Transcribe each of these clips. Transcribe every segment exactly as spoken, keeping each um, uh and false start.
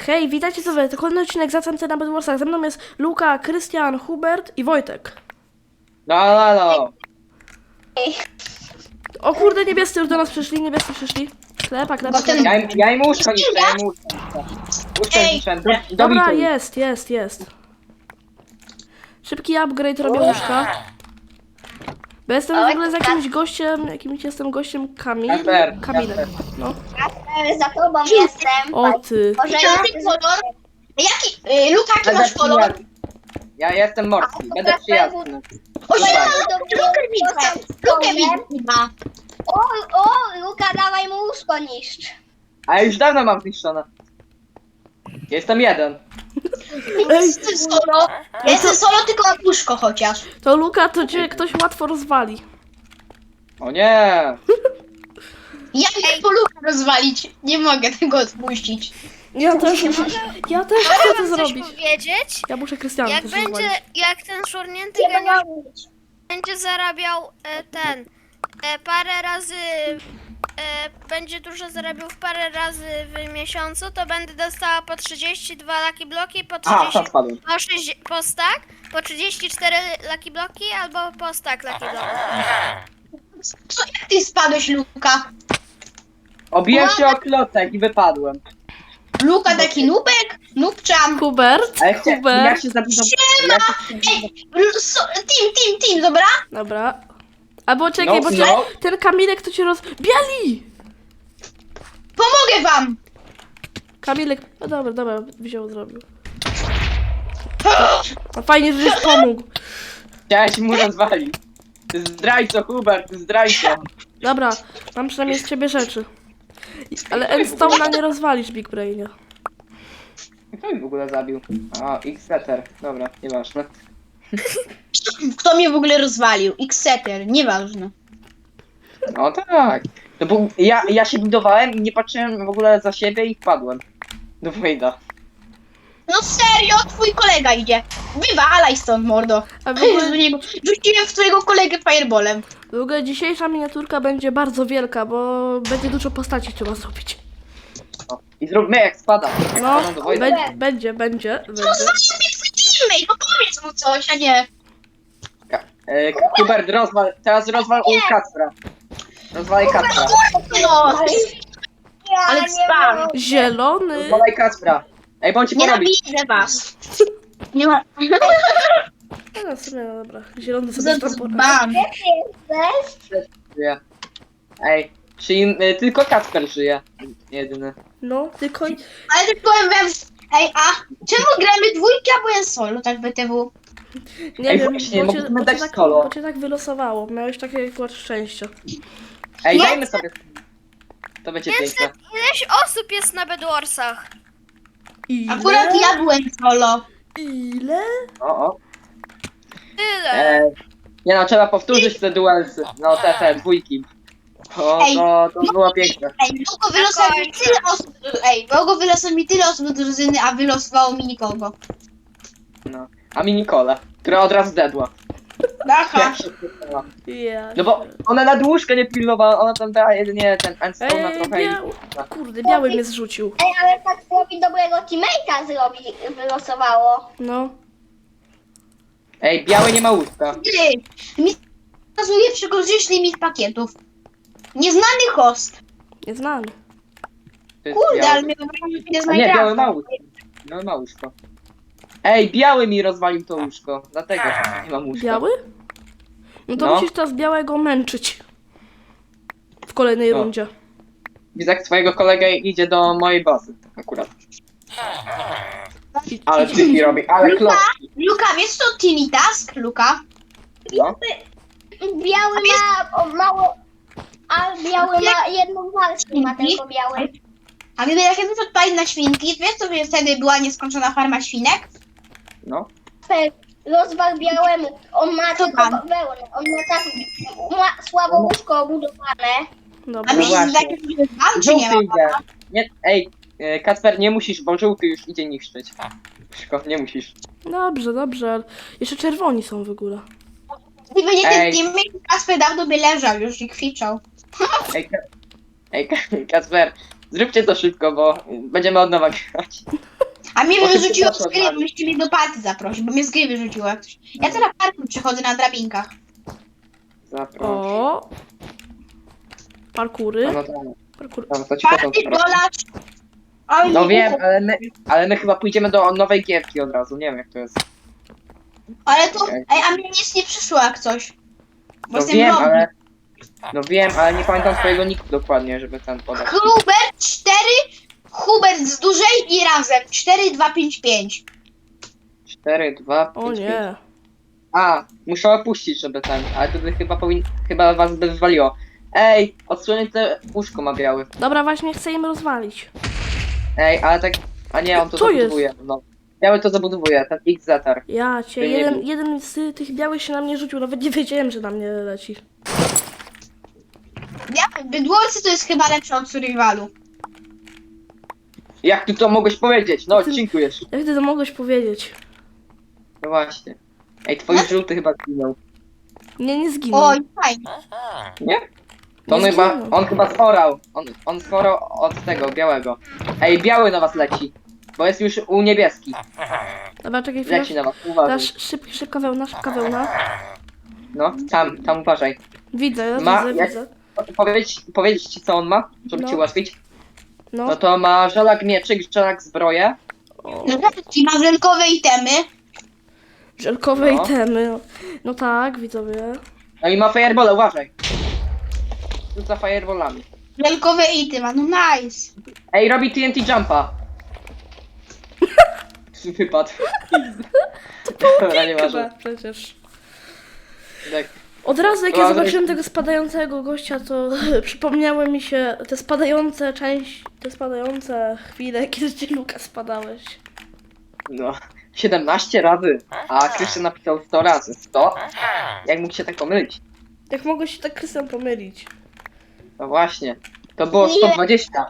Hej, witajcie sobie, to kolejny odcinek Zacem na Bedwarsach. Ze mną jest Luka, Krystian, Hubert i Wojtek. No, no, no. O kurde, niebiescy już do nas przyszli, niebiescy przyszli. Klepa, klepa, klepa. Ja, im- ja im łóżko niszczę, ja im łóżko niszczę. Łóżko Ej, niszczę. Do, Dobra, dobituj. jest, jest, jest. Szybki upgrade robię łóżka. Bo jestem w ogóle z jakimś gościem, jakimś jestem gościem Kamil. Kasper, Kamilem. Kasper. No. Za tobą jestem. O ty. Może Jaki ja... kolor? Jaki, y, Luka, jaki Będę masz kolor? przyjazny. Ja jestem morski, będę przyjazny. O, Luka. Lukę widzę. Lukę widzę. O, o, Luka, dawaj mu łóżko niszcz. A ja już dawno mam zniszczone. Jestem jeden. Ej, Jestem solo. Ja jestem solo, tylko na łóżko chociaż. to Luka, to cię ktoś łatwo rozwali. O nie. Ja chcę po Lukę rozwalić. Nie mogę tego odpuścić. Ja też, ja też chcę to Mogę coś zrobić. powiedzieć? Ja muszę Krystiana Jak też będzie, rozwalić. jak ten szurnięty Nie geniusz robić. będzie zarabiał e, ten e, parę razy, e, będzie dużo zarabiał w parę razy w miesiącu, to będę dostała po trzydzieści dwa lucky bloki, po A, tam trzydzieści, spadłem. po, sześć, po stack, po trzydzieści cztery lucky bloki albo po stack lucky bloki. Co, jak ty spadłeś, Luka? Obiłem się o klocek i wypadłem. Luka taki nubek? Nubczam. Hubert, Ale chcę, ja Hubert. się zabudowałem. Ja się... Ej, l- so, team, team, team, dobra? Dobra. Albo czekaj, No, bo cię, no. ten Kamilek to cię roz... Biali! Pomogę wam. Kamilek, no dobra, dobra, wziął, zrobił. No fajnie, że żeś pomógł. Chciałeś mu rozwalić. Ty zdrajco, Hubert, ty zdrajco. Dobra, mam przynajmniej z ciebie rzeczy. I- Ale Endstone'a nie rozwalisz, Big Brainie. Kto mi w ogóle zabił? A, X-Setter. Dobra, nieważne. Kto mnie w ogóle rozwalił? X-Setter, nieważne. No tak. No bo ja, ja się budowałem i nie patrzyłem w ogóle za siebie i wpadłem. Do Wejda. No serio, twój kolega idzie. Wywalaj stąd, mordo. A w ogóle, Do niego. Rzuciłem w twojego kolegę fireballem. w ogóle dzisiejsza miniaturka będzie bardzo wielka, bo będzie dużo postaci trzeba zrobić. No. I zróbmy jak spada. No, Spadam do Wojda. be- będzie, będzie, będzie. Rozwalił mnie twój teammate, no powiedz mu coś, a nie. E, Hubert, rozwal, teraz rozwal u Kacpra. Rozwalaj Kacpra. No, Ja ale nie spam. mogę. Zielony. Rozwalaj Kacpra. Ej, bądź ci porobić. Nienawidzę was. Nie ma... No, w sumie, no dobra. Zielony sobie tam poradzi. Zbam. Gdzie ty jesteś? Żyje. Ej, czyli y, tylko Kacper żyje. Jedyny. No, tylko... Ale tylko powiem wam... Ej, a czemu gramy dwójkę, a byłem solo, tak B T W? Nie Ej, wiem, właśnie, bo cię, mogliśmy bo, cię dać tak, solo. bo cię tak wylosowało. Miałeś takie akurat szczęście. Ej, Nie. dajmy sobie. To będzie piękne. Ileś osób jest na Bedwarsach? Ile? Akurat ja byłem solo. Ile? O, o. Tyle. E, nie no, trzeba powtórzyć te duelsy. No, te, te, dwójki. O, Ej. to, to było piękne. Ej, Bogo wylosował mi tyle osób... Ej, Bogo wylosował mi tyle osób do drużyny, a wylosowało mi nikogo. No. A mi Nicole, która od razu dedła. Aha. Jak się wkurzyła. Ja No bo ona na dłużkę nie pilnowała, ona tam dała jedynie ten endstone na Ej, trochę i... biał... Kurde, biały mnie zrzucił. Ej, ale tak zrobi dobrego teammate'a zrobi, wylosowało. No. Ej, biały nie ma łóżka. Ty, mi pokazuje przekroczyć limit pakietów. Nieznany host. Nieznany. To jest Kurde, biały. ale mnie wybrałem chwilę z A nie, biały ma Minecrafta. łóżko. No ma łóżko. Ej, biały mi rozwalił to łóżko, dlatego nie mam łóżka. Biały? No to No. musisz teraz białego męczyć. W kolejnej No. rundzie. Widzę, jak twojego kolegę idzie do mojej bazy, akurat. I, Ale idź- tyki robi, ale Luka? klocki. Luka, wiesz co Timmy Task, Luka? No. Biały ma o, mało... A biały ma jedną walkę, ma tylko biały. A gdyby jak jeden odpalić na świnki, wiesz co by wtedy była nieskończona farma świnek? No. Rozwal białemu. On ma To tylko pan. wełnę. On ma tak ma słabo łóżko obudowane. A Dobra. mi się właśnie. zdaje, że jest wam, czy nie Żółty ma? idzie. Nie, ej, e, Kacper, nie musisz, bo żółty już idzie niszczyć. Szko, nie musisz. Dobrze, dobrze. ale Jeszcze czerwoni są w ogóle. Gdyby nie ten Ej. teammate, Kasper dawno by leżał już i kwiczał. Ej, Ka- ej Ka- Kacper, zróbcie to szybko, bo będziemy od nowa grać. A mnie O, wyrzuciło szybko z gry, poszło, bo byście mnie do party zaprosić, bo mnie z gry wyrzuciło jak coś. Ja teraz parkour przechodzę na drabinkach. Zapraszam. O. Parkury. No, no, Parkury. no, to ci potem Party, zapraszam. dolacz. Oj, No nie wiem, wiem. ale my, ale my chyba pójdziemy do nowej gierki od razu, nie wiem jak to jest. Ale to, ej, a mnie nic nie przyszło jak coś. Bo No jestem wiem, robi. ale... No wiem, ale nie pamiętam twojego niku dokładnie, żeby ten podać. Hubert cztery, Hubert z dużej i razem. cztery, dwa, pięć, pięć. cztery, dwa, O pięć, pięć. nie. A, muszę opuścić, żeby ten, ale wtedy chyba powin... chyba was by wywaliło. Ej, odsłonięte łóżko ma biały. Dobra, właśnie chcę im rozwalić. Ej, ale tak... A nie, on to Co jest? zabudowuje. No. Biały to zabudowuje, ten X-Zetar. Ja cię, Ty nie jeden, był. jeden z tych białych się na mnie rzucił, nawet nie wiedziałem, że na mnie leci. Ja, bydłowcy to jest chyba lepsze od survivalu. Jak ty to mogłeś powiedzieć? No, Ty- dziękujesz. Jak ty to mogłeś powiedzieć? No właśnie. Ej, twój żółty chyba zginął. Nie, nie zginął. Oj, fajnie. Nie? To on Nie chyba, zginął. on chyba sporał. On, on sporał od tego, białego. Ej, biały na was leci. Bo jest już u niebieski. Dobra, czekaj chwilę. Leci na was, uważaj. Dasz szyb, szybka wełna, szybka wełna. No, tam, tam uważaj. Widzę, Ma- widzę, jak- widzę. Powiedzieć, powiedzieć ci co on ma, żeby No. ci ułatwić? No. No to ma żelak mieczyk, żelak zbroję. O, I ma żelkowe itemy. żelkowe No. itemy. No tak, widzowie. No i ma fireball, uważaj. Rzuca fireballami. Żelkowe ity ma, no nice. Ej, robi T N T jumpa. Wypadł. Dobra, nie Chyba, ważne. przecież. Tak. Od razu jak ja Dobra, zobaczyłem tego spadającego gościa, to przypomniały mi się te spadające część, te spadające chwile, kiedy ci Luka spadałeś. No, siedemnaście razy, a Krystian napisał sto razy. sto? Jak mógł się tak pomylić? Jak mogłeś się tak Krystian pomylić? No właśnie, to było sto dwadzieścia.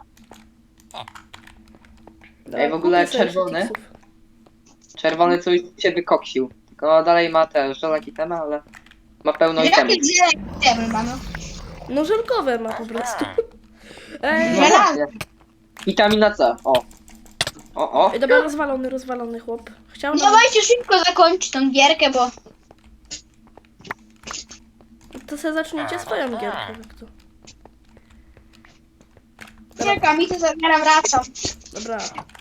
Ej, w ogóle kupię sobie czerwony? jeszcze tipsów. Czerwony coś się wykoksił. Tylko dalej ma te żelaki itemy, ale ma pełno itemów. Jakie zielone itemy ma, no. No żelkowe ma po prostu. Ej, No właśnie. Witamina C, o. O, o. Ej, dobra, rozwalony, rozwalony chłop. Chciał No nam... dawajcie szybko zakończyć tą gierkę, bo... To sobie zaczniecie swoją gierkę, jak to. Czekam i to zaraz wracam. Dobra.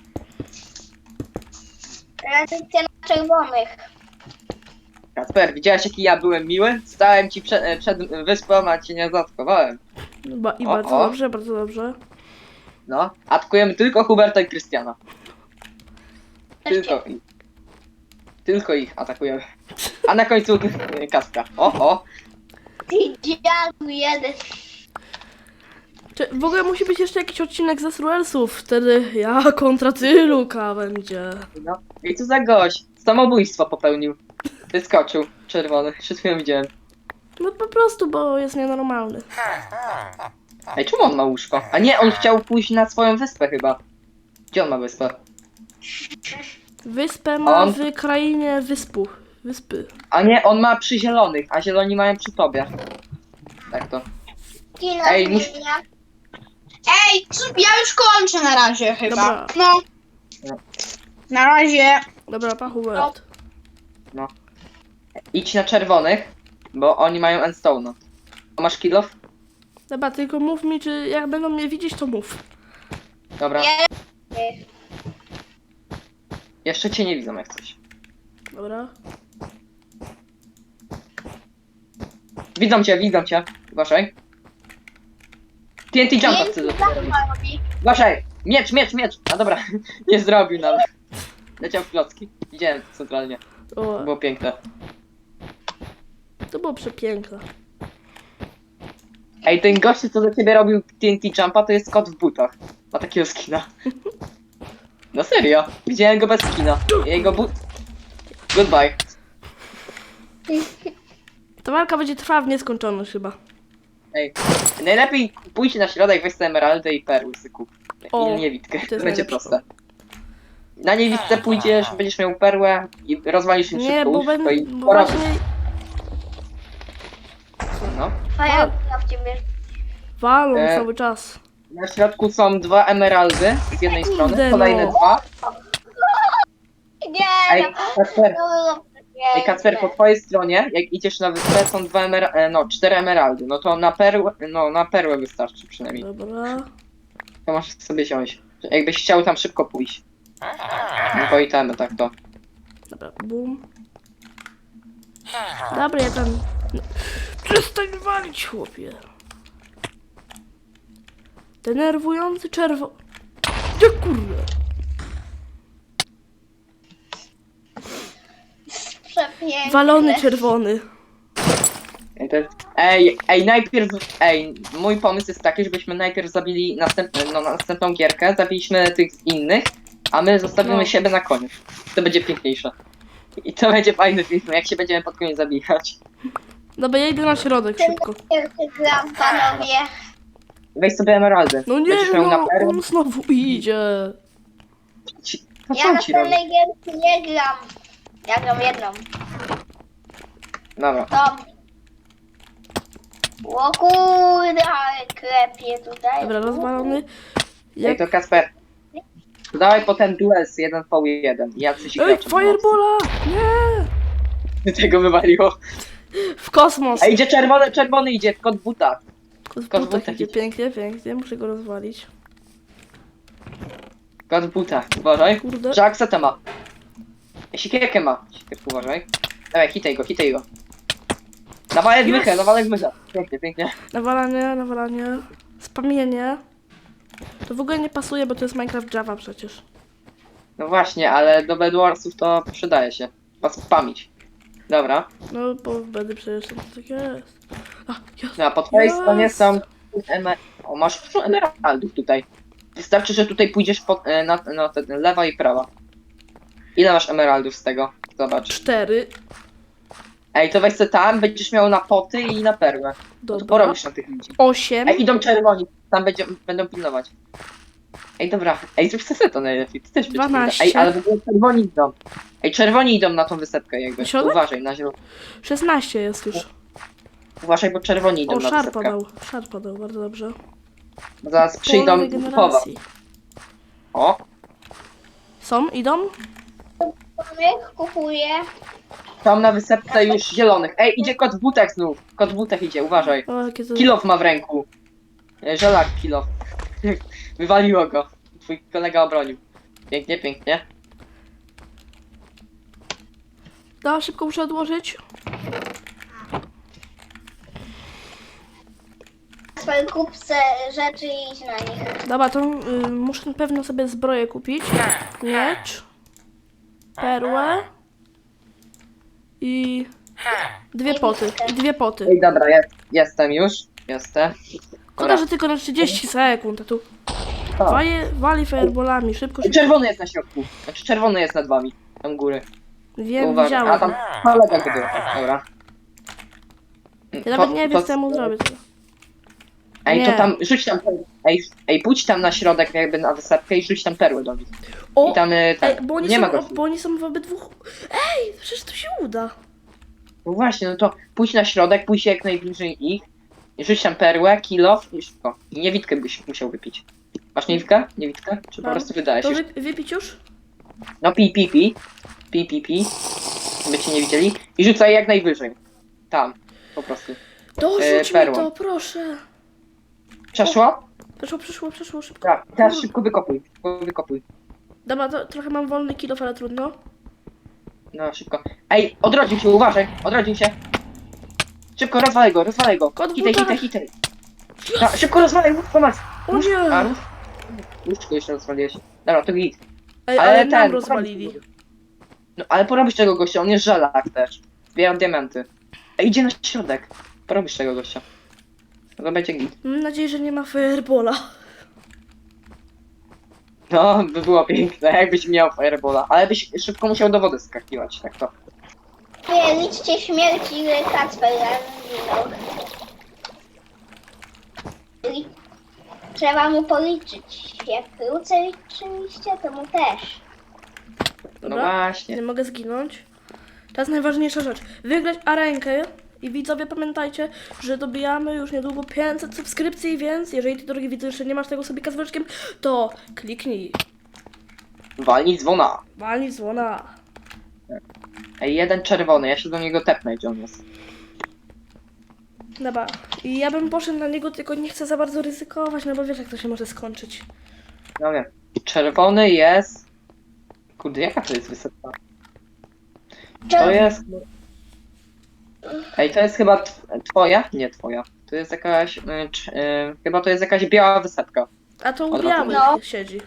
Recepcja na czerwonych. Kasper, widziałeś jaki ja byłem miły? Stałem ci przed, przed wyspą, a cię nie zaatakowałem. Ba I O, bardzo o. dobrze, bardzo dobrze. No, atakujemy tylko Huberta i Krystiana. Tylko ich. Tylko ich atakujemy. A na końcu Kaspra. O, o. Ty dziadu jeden. Czy w ogóle musi być jeszcze jakiś odcinek ze Sruelsów, wtedy ja kontra ty, Luka, będzie. No. I co za gość? Samobójstwo popełnił. Wyskoczył. Czerwony. Przed chwilą widziałem. No po prostu, bo jest nienormalny. Ej, czemu on ma łóżko? A nie, on chciał pójść na swoją wyspę chyba. Gdzie on ma wyspę? Wyspę ma On- w krainie wyspu. Wyspy. A nie, on ma przy zielonych, a zieloni mają przy tobie. Tak to. Kino Ej, mus- zmienia. Ej, co- ja już kończę na razie chyba. Dobra. No. No. Na razie. Dobra, pa Hubert. Idź na czerwonych, bo oni mają endstone'a. A masz kill off? Dobra, tylko mów mi, czy jak będą mnie widzieć, to mów. Dobra. Nie. Jeszcze cię nie widzą jak coś. Dobra. Widzą cię, widzą cię. Uważaj. T N T jumpa chcę zrobić. robi. Uważaj! Miecz, miecz, miecz! A dobra, nie zrobił nawet. Leciał w klocki. Widziałem to centralnie. O, Było piękne. to było przepiękne. Ej, ten gościu, co za ciebie robił T N T jumpa, to jest kot w butach. Ma takiego skina. No serio, widziałem go bez skina. Jego but... Goodbye. Ta walka będzie trwała w nieskończoność chyba. Ej, najlepiej pójdź na środek, weź sobie emeraldę i perły sobie kup. O, I niewidkę, to to jest będzie najlepsze. proste. Na niewidce pójdziesz, będziesz miał perłę i rozwalisz im Nie, szybko bo, łóżko ben, i bo porobisz. właśnie No. Faja w ciebie. walą E, cały czas. Na środku są dwa emeraldy z jednej strony, Kurde, kolejne no. dwa. Ej, no, Kacper, no, ej, Kacper, po twojej stronie, jak idziesz na wyspę, są dwa emer... e, no, cztery emeraldy. No to na perłę, no, na perłę wystarczy przynajmniej. Dobra. To możesz sobie wziąć. Jakbyś chciał tam szybko pójść. No to i ten, tak to. Dobra, bum. Dobra, ja tam... Przestań walić, chłopie. Denerwujący czerwo... Gdzie kurde? Przepiękne. Walony czerwony. Ej, to- Ej, ej, najpierw, ej, mój pomysł jest taki, żebyśmy najpierw zabili następny, no, następną gierkę, zabiliśmy tych innych, a my zostawimy No. siebie na koniec. To będzie piękniejsze. I to będzie fajny film, jak się będziemy pod koniec zabijać. Dobra, ja idę na środek szybko. Wielki gram, panowie. Weź sobie emeraldy. No nie, Będziesz miał no, na perłę. on znowu idzie. Ci- No Ja co na ci robi? tej gierki nie gram. Ja gram jedną. Dobra. Tom. O kurde, ale klepie tutaj. Dobra, rozwalony. Ej, Jak... to Kasper. To dawaj potem duels jeden po jeden. Ja coś Ej, Firebola! Nie! Tego wywaliło. W kosmos. Ej, idzie czerwony, czerwony idzie, kot buta. Kot w kot butach butach idzie idzie. pięknie, pięknie. Muszę go rozwalić. Kot buta, uważaj. Kurde. Że aksetę ma. Ej, Siekierkę ma. Siekierkę uważaj. Dawaj, hitaj go, hitaj go. Nawalek Yes. mychę, nawalek mychę. Pięknie, pięknie. Nawalanie, nawalanie. Spamienie. To w ogóle nie pasuje, bo to jest Minecraft Java przecież. No właśnie, ale do Bedwarsów to przydaje się. Was spamić. Dobra. No, bo w Bedy przecież to tak jest. A, jest. No, a po twojej Yes. stronie są... Emer... O, masz dużo emeraldów tutaj. Wystarczy, że tutaj pójdziesz pod, e, na, na ten, lewa i prawa. Ile masz emeraldów z tego? Zobacz. Cztery. Ej, to weź se tam, będziesz miał na poty i na perłę. To Dobra. porobisz na tych ludzi. Osiem. Ej, idą czerwoni, tam będzie, będą pilnować. Ej, dobra, ej, zrób se to najlepiej, ty też będziesz Dwanaście. pilnować. Ej, ale w ogóle czerwoni idą. Ej, czerwoni idą na tą wysepkę jakby. Środek? Uważaj, na zielono. Szesnaście jest już. Uważaj, bo czerwoni idą O, na szar wysepkę. padał. Szar padał, bardzo dobrze. Bo zaraz Pole przyjdą chowa. regeneracji. O, Są? Idą? Tomek kupuje. tam na wysepce już zielonych. Ej, idzie kot w butach znów. Kot w butach idzie, uważaj. O, jakie to... Kilof ma w ręku. E, Żelak kilof. Wywaliło go. Twój kolega obronił. Pięknie, pięknie. Da, szybko muszę odłożyć. Swoje kupce rzeczy i idź na nich. Dobra, to y, muszę na pewno sobie zbroję kupić. Miecz. Perłę. I... Dwie poty. I dwie poty. Ej, dobra, jest, jestem już. Jestem. Szkoda, że tylko na trzydzieści sekund, a tu O. waje, wali fireballami, szybko, szybko. Czerwony jest na środku. Znaczy czerwony jest nad wami. Tam góry. Wiem, Uważaj. A widziałem. tam kolega to był. Dobra. Ja nawet nie wiem, co ja mu zrobię. Ej, Nie. to tam, rzuć tam, ej, ej, pójdź tam na środek jakby na wysepkę i rzuć tam perły do nich. O, I tam, y, tam ej, bo oni, nie ma są, gości. bo oni są w obydwu... Ej, przecież to się uda. No właśnie, no to pójdź na środek, pójdź jak najbliżej ich. I rzuć tam perłę, kilof i szybko. I niewidkę byś musiał wypić. Masz niewidkę? Niewidkę? Czy po Mam. prostu wydajesz To już? wy, wypić już? No pi, pi, pi. Pi, pi, pi. By cię nie widzieli. I rzucaj jak najwyżej. Tam. Po prostu. Dorzuć E, mi perłą. to, proszę. Przeszło? Przeszło, przeszło, przeszło, szybko. Tak. Teraz szybko wykopuj. Szybko wykopuj. Dobra, to trochę mam wolny kilof, ale trudno. No, szybko. Ej, odrodził się, uważaj. Odrodził się. Szybko, rozwalaj go, rozwalaj go. Kot w Hitaj, butach. hitaj, hitaj. Da, szybko rozwalaj, łóż, pomaz. O Łóż, nie. a, łóż. Łóżko jeszcze rozwaliłeś. Dobra, to git. Ej, Ale ale, ten, nam rozwalili. No, ale porobisz tego gościa, on jest żelak też. Zbieram diamenty. Ej, idzie na środek. Porobisz tego gościa. No to będzie git. Mam nadzieję, że nie ma firebola. No, by było piękne, jakbyś miał firebola. Ale byś szybko musiał do wody skakiwać, tak to. Nie, liczcie śmierci, ile Kacper zginął. Li- Trzeba mu policzyć. Jak wrócę oczywiście, to mu też. No Dobra, właśnie. nie mogę zginąć. Teraz najważniejsza rzecz. Wygrać arenkę. I widzowie, pamiętajcie, że dobijamy już niedługo pięćset subskrypcji, więc jeżeli ty, drogi widzu, jeszcze nie masz tego sobie z wyczkiem, to kliknij. Walnij dzwona. Walnij dzwona. Ej, jeden czerwony, ja się do niego tepnę, gdzie on jest. Dobra. I ja bym poszedł na niego, tylko nie chcę za bardzo ryzykować, no bo wiesz jak to się może skończyć. No wiem. Czerwony jest... Kurde, jaka to jest wysepka? To jest... Ej, to jest chyba tw- twoja? Nie twoja. To jest jakaś... y, cz- y, chyba to jest jakaś biała wysepka. A to u Od białych No. siedzi.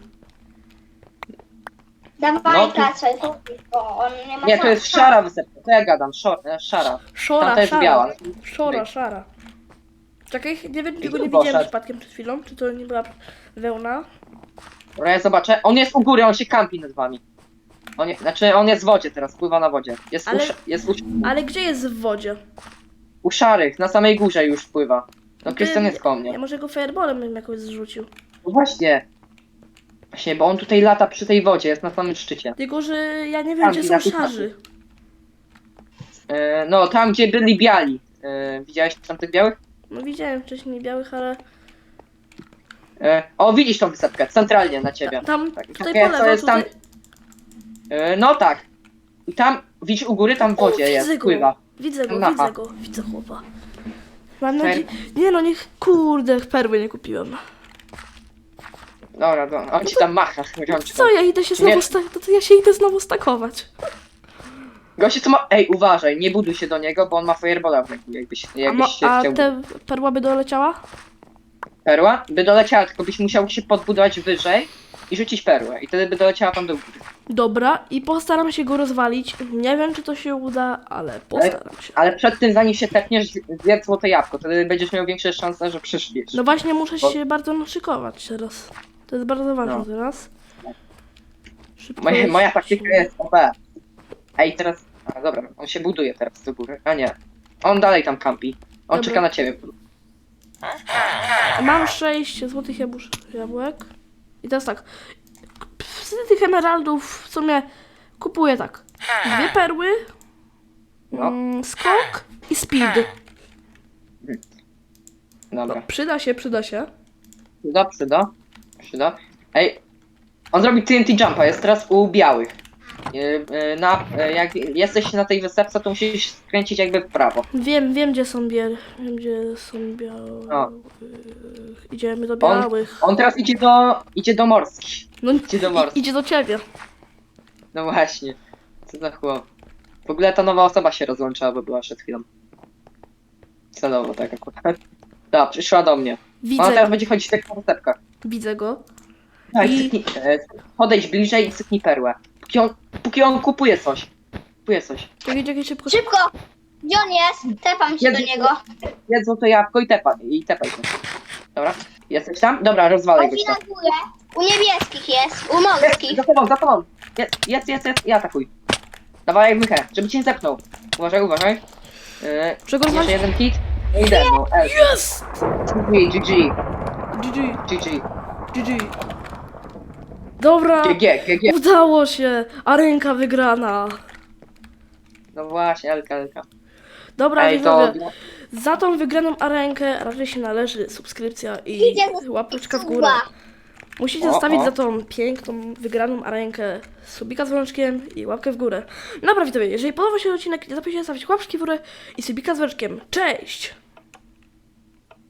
Dawaj, No, to- Kacel, bo on nie ma Nie, to jest szans. szara wysepka, to ja gadam, szor, e, szara. Szora, Tamta jest szara. biała. Szora, szara. Czekaj, nie wiem, czy go tu nie widziałem poszedł. przypadkiem przed chwilą, czy to nie była wełna. Dobra, ja zobaczę. On jest u góry, on się kampi nad wami. On je, znaczy, on jest w wodzie teraz, pływa na wodzie. Jest, Ale- u, sz- jest u, Ale gdzie jest w wodzie? u szarych, na samej górze już pływa. No, Krystian jest koło mnie. Ja może go fireballem bym jakoś zrzucił. No właśnie. Właśnie, bo on tutaj lata przy tej wodzie, jest na samym szczycie. Tylko, że ja nie wiem, Tam, gdzie na są tych szarzy. E, no, tam gdzie byli biali. E, widziałeś tam tych białych? No widziałem wcześniej białych, ale E, o, widzisz tą wysepkę, centralnie na ciebie. tam, Tak, tutaj takie, po co lewo, jest tam. tutaj... E, no tak. I tam, widzisz u góry, tam w O, wodzie widzę jest, go. pływa. Widzę go, Aha. widzę go, widzę chłopa. Mam Per- nadzieję... Nie no, niech... Kurde, perły nie kupiłem. Dobra, dobra, on ci tam macha rączką. Co, ja idę się Nie. znowu sta... to, to ja się idę znowu stakować. Gościu, co ma... Ej, uważaj, nie buduj się do niego, bo on ma firebola w ręku, jakbyś, A, jakbyś mo... się A chciał... te perła by doleciała? Perła? By doleciała, tylko byś musiał się podbudować wyżej i rzucić perłę. I wtedy by doleciała tam do góry. Dobra, i postaram się go rozwalić. Nie wiem, czy to się uda, ale postaram się. Ale przed tym, zanim się tepniesz, zjedz złote jabłko, wtedy będziesz miał większe szanse, że przeżyjesz. No właśnie, muszę Bo- się bardzo naszykować teraz. To jest bardzo ważne No. teraz. Szybko Moja, jest- moja taktyka jest O P. Ej, teraz... A, dobra, on się buduje teraz do góry. A nie. On dalej tam kampi. On Dobra. czeka na ciebie. Mam sześć złotych jabłusz, jabłek. I teraz tak. Z tych emeraldów w sumie kupuję tak. Dwie perły, No. mm, skok i speed. Dobra. Przyda się, przyda się. Przyda, przyda. Przyda. Ej, on zrobi T N T jumpa, jest teraz u białych. Yy, yy, Na, yy, jak jesteś na tej wysepce, to musisz skręcić jakby w prawo. Wiem, wiem gdzie są biel. Wiem gdzie są białych. O. Idziemy do On- białych. On teraz idzie do, idzie do morskich. No, idzie do morskich. i, idzie do ciebie. No właśnie. Co za chłop. W ogóle ta nowa osoba się rozłączyła, bo była przed chwilą. Celowo tak akurat. Da, przyszła do mnie. Ona Widzę, teraz będzie chodzić tak po wysepkach. widzę go. Tak, I- cyknij, e, podejdź bliżej i cyknij perłę. Póki on, póki on kupuje coś. Kupuje coś. Czekaj, czekaj, szybko. Szybko! Gdzie on jest? Tepam się Jest- do niego. Jedz złote jabłko i tepa, i tepaj się. Dobra? Jesteś tam? Dobra, rozwalaj Chodzi gościa. na górę. U niebieskich jest, u morskich. Za tobą, za tobą! Jest, jest, jest, jest. I atakuj. Dawaj mychę, żeby cię nie zepnął. Uważaj, uważaj. Yy, Czego jeszcze masz? jeden hit. No i demo. L. Jest! G G. G G G, G. G G G. Dobra, G. G. G. G. udało się. A ręka wygrana. No właśnie, Elka, Elka. Dobra, Ej, to... widzowie, za tą wygraną arenkę raczej się należy subskrypcja i Idzie do łapeczka w górę. Suba. Musicie O, zostawić o. za tą piękną, wygraną arenkę subika z dzwoneczkiem i łapkę w górę. Dobra, widzowie, jeżeli podobał się odcinek, nie zapomnijcie zostawić łapki w górę i subika z dzwoneczkiem. Cześć!